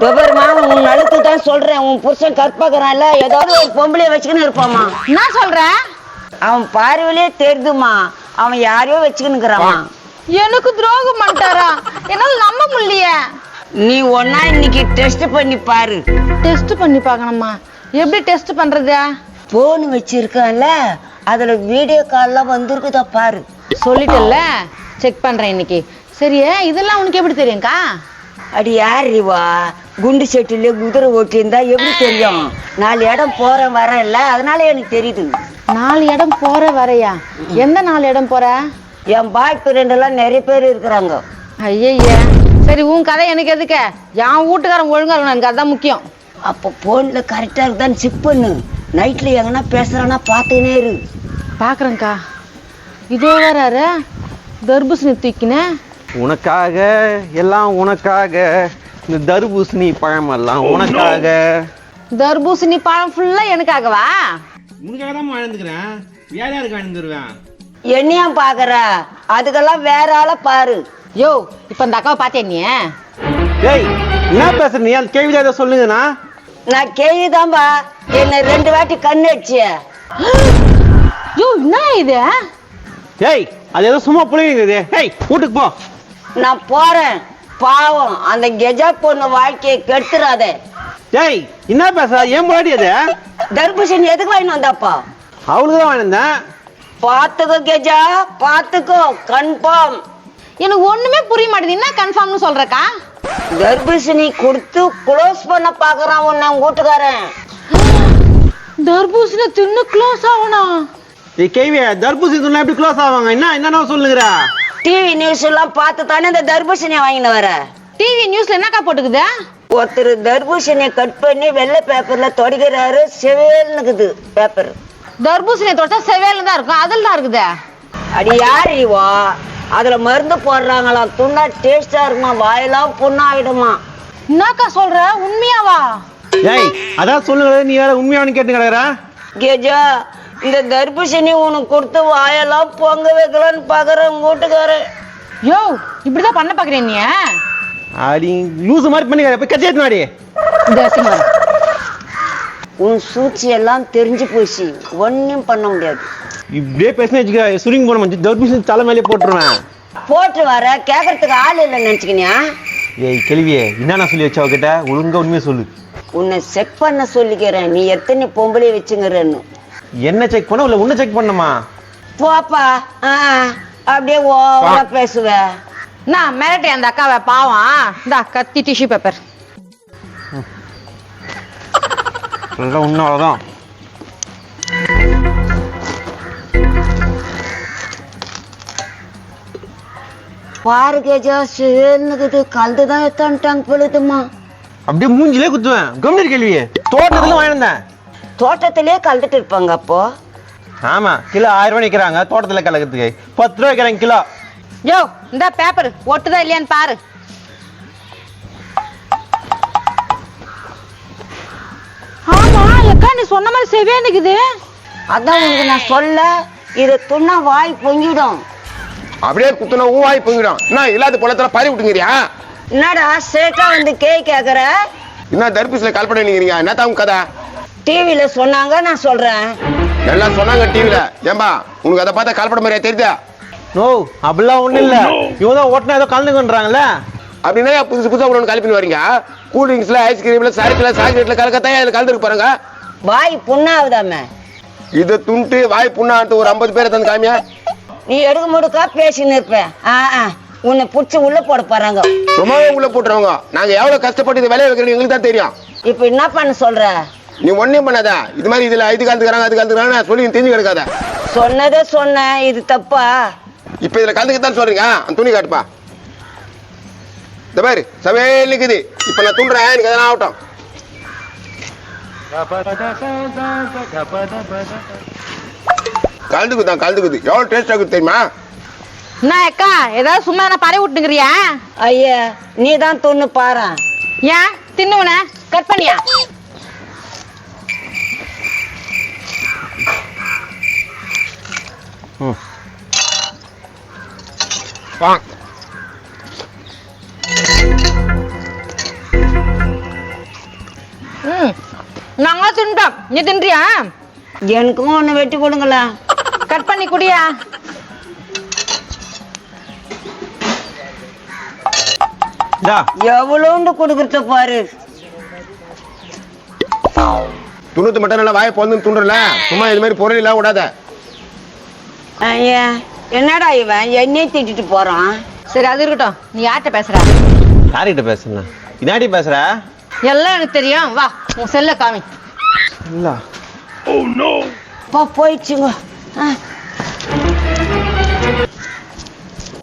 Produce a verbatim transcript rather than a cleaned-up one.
பெருமா உன் அழுத்து தான் சொல்றேன். உன் புருஷன் கற்பகிறான்ல, ஏதாவது ஒரு பொம்பளைய வச்சுக்கின்னு இருப்பாமா. என்ன சொல்ற? அவன் பார்வையிலே தெரிதுமா, அவன் யாரையோ வச்சுக்கின்னுக்குறாமா. எனக்கு துரோகம் பண்ணிட்டாரா? என்னால நம்ப முடியலையே. நீ ஒன்னா இன்னைக்கு டெஸ்ட் பண்ணி பாரு. டெஸ்ட் பண்ணி பார்க்கணுமா? எப்படி டெஸ்ட் பண்றது? போன் வச்சிருக்கான்ல, அதுல வீடியோ கால்லாம் வந்திருக்குதா பாரு. சொல்லிட்டல்ல, செக் பண்றேன் இன்னைக்கு. சரியே, இதெல்லாம் உனக்கு எப்படி தெரியும்க்கா? அடி யார் ரிவா, குண்டு செட்டிலே குதிரை ஓட்டியிருந்தா எப்படி தெரியும்? நாலு இடம் போறேன் வரேன்ல, அதனால எனக்கு தெரியுது. நாலு இடம் போற வரையா? எந்த நாலு இடம் போற? என் பாய் ஃப்ரெண்ட் எல்லாம் நிறைய பேர் இருக்கிறாங்க. ஐய, சரி உன் கதை எனக்கு எதுக்க? என் வீட்டுக்காரன் ஒழுங்கா இருக்கணும், எனக்கு அதுதான் முக்கியம். அப்போ போன்ல கரெக்டா இருக்குதான் செக் பண்ணு. நைட்ல எங்கன்னா பேசுறானா பாத்துக்கினே இரு. பாக்குறேன்க்கா. இதோ வராரு தர்பூசணி தூக்கினேன். உனக்காக எல்லாம் உனக்காக, இந்த தர்பூசணி பழம் எல்லாம் உனக்காக. தர்பூசணி பழம் ஃபுல்லா எனக்காகவா? உனக்காக தான் வாழ்ந்துக்கிறேன், வேற யாருக்கு வாழ்ந்துருவேன்? என்னையா பாக்குற? அதுக்கெல்லாம் வேற ஆள பாரு. யோ, இப்ப இந்த அக்காவை பாத்தியா நீ? ஏய், என்ன பேசுற நீ? அந்த கேள்வி ஏதோ சொல்லுங்கண்ணா. நான் கேள்விதான்பா, என்ன ரெண்டு வாட்டி கண்ணு அடிச்சிய. யோ, என்ன இது? ஏய், அது ஏதோ சும்மா புளிங்குது. ஏய், வீட்டுக்கு போ. நான் போறேன். பாவம் அந்த கெஜா பொண்ணு வாழ்க்கையை கெடுத்துறாத. ஏய், என்ன பேசுற? ஏன் முன்னாடி அது தர்பூசணி எதுக்கு வாங்கிட்டு வந்தாப்பா? அவளுக்கு தான் வாங்கினேன். பாத்துக்கோ கெஜா, பாத்துக்கோ, கன்ஃபார்ம். எனக்கு ஒண்ணுமே புரிய மாட்டேது. என்ன கன்ஃபார்ம்னு சொல்றக்கா? தர்பூசணி கொடுத்து க்ளோஸ் பண்ண பாக்குறான் உன்னை வீட்டுக்காரன். தர்பூசணி தின்னு க்ளோஸ் ஆகணும்? ஏய் கேள்வி, தர்பூசணி துண்ணா எப்படி க்ளோஸ் ஆவாங்க? என்ன என்ன சொல்லுங்கிற? டிவி நியூஸ் எல்லாம் பார்த்து தானே இந்த தர்பூசணியை வாங்கிட்டு வர. டிவி நியூஸ்ல என்னக்கா போட்டுக்குது? ஒருத்தர் தர்பூசணியை கட் பண்ணி வெள்ளை பேப்பர்ல தொடைக்கிறாரு, செவேல்னுக்குது பேப்பர். தர்பூசணியை தொட்டா செவேல தான் இருக்கும், அதில் தான் இருக்குது. அடி யார் இவா? அதுல மருந்து போடுறாங்களாம், துண்ணா டேஸ்டா இருக்குமா, வாயெல்லாம் புண்ணாயிடுமா. என்னக்கா சொல்ற? உண்மையாவா? ஏய், அதான் சொல்லுங்க, நீ வேற உண்மையானு கேட்டு கிடக்குற. கேஜா, இந்த தர்பூசணி உனக்கு கொடுத்து வாயெல்லாம் பொங்க வைக்கலான்னு பாக்குறேன் வீட்டுக்காரன். யோ, இப்படிதான் பண்ண பாக்குறேன் நீ? அடி லூசு மாதிரி பண்ணி போய் கட்சி ஏத்துனாடி. உன் சூழ்ச்சி எல்லாம் தெரிஞ்சு போச்சு, ஒன்னும் பண்ண முடியாது. இப்படியே பேசினா வச்சுக்க, சுருங்கி போன மஞ்சள் தர்பூசணி தலை மேலே போட்டுருவேன். போட்டு வர கேட்கறதுக்கு ஆள் இல்லைன்னு நினைச்சுக்கினியா? ஏய் கேள்வியே, என்ன சொல்லி வச்சா அவகிட்ட? ஒழுங்கா உண்மையை சொல்லு. உன்னை செக் பண்ண சொல்லிக்கிறேன், நீ எத்தனை பொம்பளை வச்சுங்கிறன்னு. என்ன செக் பண்ண? இல்ல உன்னை செக் பண்ணுமா? போப்பா. அப்படியே ஓவரா பேசுவ. நான் மிரட்டே அந்த அக்காவை, பாவம். இந்த கத்தி டிஷ்யூ பேப்பர். உண்மைதான். பாரு கேஜா, சேர்ந்துக்குது கலந்துதான் எத்தான்ட்டாங்க பொழுதுமா. அப்படியே மூஞ்சிலே குத்துவேன். கம்னி கேள்வியே, தோட்டத்துல வாங்கினேன். தோட்டத்திலே கலந்துட்டு இருப்பாங்க அப்போ. ஆமா, கிலோ ஆயிரம் ரூபாய் நிக்கிறாங்க தோட்டத்துல கலக்கிறதுக்கு. பத்து ரூபாய் வைக்கிறாங்க கிலோ. யோ, இந்த பேப்பர் ஒட்டுதா இல்லையான்னு பாரு. ஆமா அக்கா, நீ சொன்ன மாதிரி செவே நிக்குது. அதான் உனக்கு நான் சொல்ல, இதை துண்ணா வாய் பொங்கிடும். அப்படியே குத்துனா ஊ வாய் பொங்கிடும். என்ன இல்லாத பொலத்துல பறி விட்டுங்கிறியா? என்னடா சேட்டா வந்து கேய் கேக்குற? என்ன தர்பூசணில கால் பண்ணிக்கிறீங்க? என்ன தான் கதை? டிவில சொன்னாங்க, நான் சொல்றேன். எல்லாம் சொன்னாங்க டிவில. ஏம்பா உனக்கு அதை பார்த்தா கால்பட மாதிரியா தெரியுதா? நோ, அப்படிலாம் ஒண்ணும் இல்ல. இவங்க தான் ஓட்டினா ஏதோ கலந்துக்கன்றாங்கல்ல. அப்படின்னா புதுசு புதுசா ஒன்று கால் பண்ணி வரீங்க. கூல் ட்ரிங்க்ஸ்ல, ஐஸ்கிரீம்ல, சாக்லேட்ல, சாக்லேட்ல கலக்கத்தான் இதுல கலந்துருக்கு பாருங்க. வாய் புண்ணாவுதாம. இதை துண்டு வாய் புண்ணாட்டு ஒரு ஐம்பது பேரை தந்து காமியா. நீ எடுக்க முடுக்கா பேசின்னு இருப்பேன். உன்னை புடிச்சு உள்ள போட போறாங்க. ரொம்பவே உள்ள போட்டுருவாங்க. நாங்க எவ்வளவு கஷ்டப்பட்டு இதை விளைய வைக்கிறோம் எங்களுக்கு தான் தெரியும். இப்ப என்ன பண்ண சொல்ற? நீ ஒன்னும் பண்ணாத. இது மாதிரி இதுல இது கலந்துக்கிறாங்க அது கலந்துக்கிறாங்க சொல்லி தெரிஞ்சு கிடக்காத. சொன்னதே சொன்ன, இது தப்பா? இப்ப இதுல கலந்துக்கத்தான் சொல்றீங்க. அந்த துணி காட்டுப்பா. இந்த பாரு சமையல் நிக்குது. இப்ப நான் துண்டுறேன், எனக்கு எதனா ஆகட்டும். கலந்துக்குதான் கலந்துக்குது. எவ்வளவு டேஸ்ட் ஆகுது தெரியுமா? என்ன அக்கா, ஏதாவது சும்மா என்ன பறவை விட்டுங்கிறியா? ஐயா, நீ தான் துண்ணு பாரு. ஏன் தின்னுவன கட் பண்ணியா? ம் வா. நாங்க தின்ட்டோம் நீ தின்றியா? எனக்கும் ஒண்ணு வெட்டி கொடுங்களா. கட் பண்ணி குடியா. இந்தா எவ்வளோண்டு கொடுக்கறத பாரு. துணுத்து மட்டும் நல்லா வாயை பொந்து துண்டுல, சும்மா இது மாதிரி பொருள் இல்லாம விடாத. ஐயா என்னடா இவன் என்னையே திட்டிட்டு போறான். சரி அது இருக்கட்டும், நீ யார்கிட்ட பேசுற? யார்கிட்ட பேசுறேன்? இதாடி பேசுற? எல்லாம் எனக்கு தெரியும், வா உன் செல்ல காமி. இல்ல போ போயிடுச்சுங்க. ஆ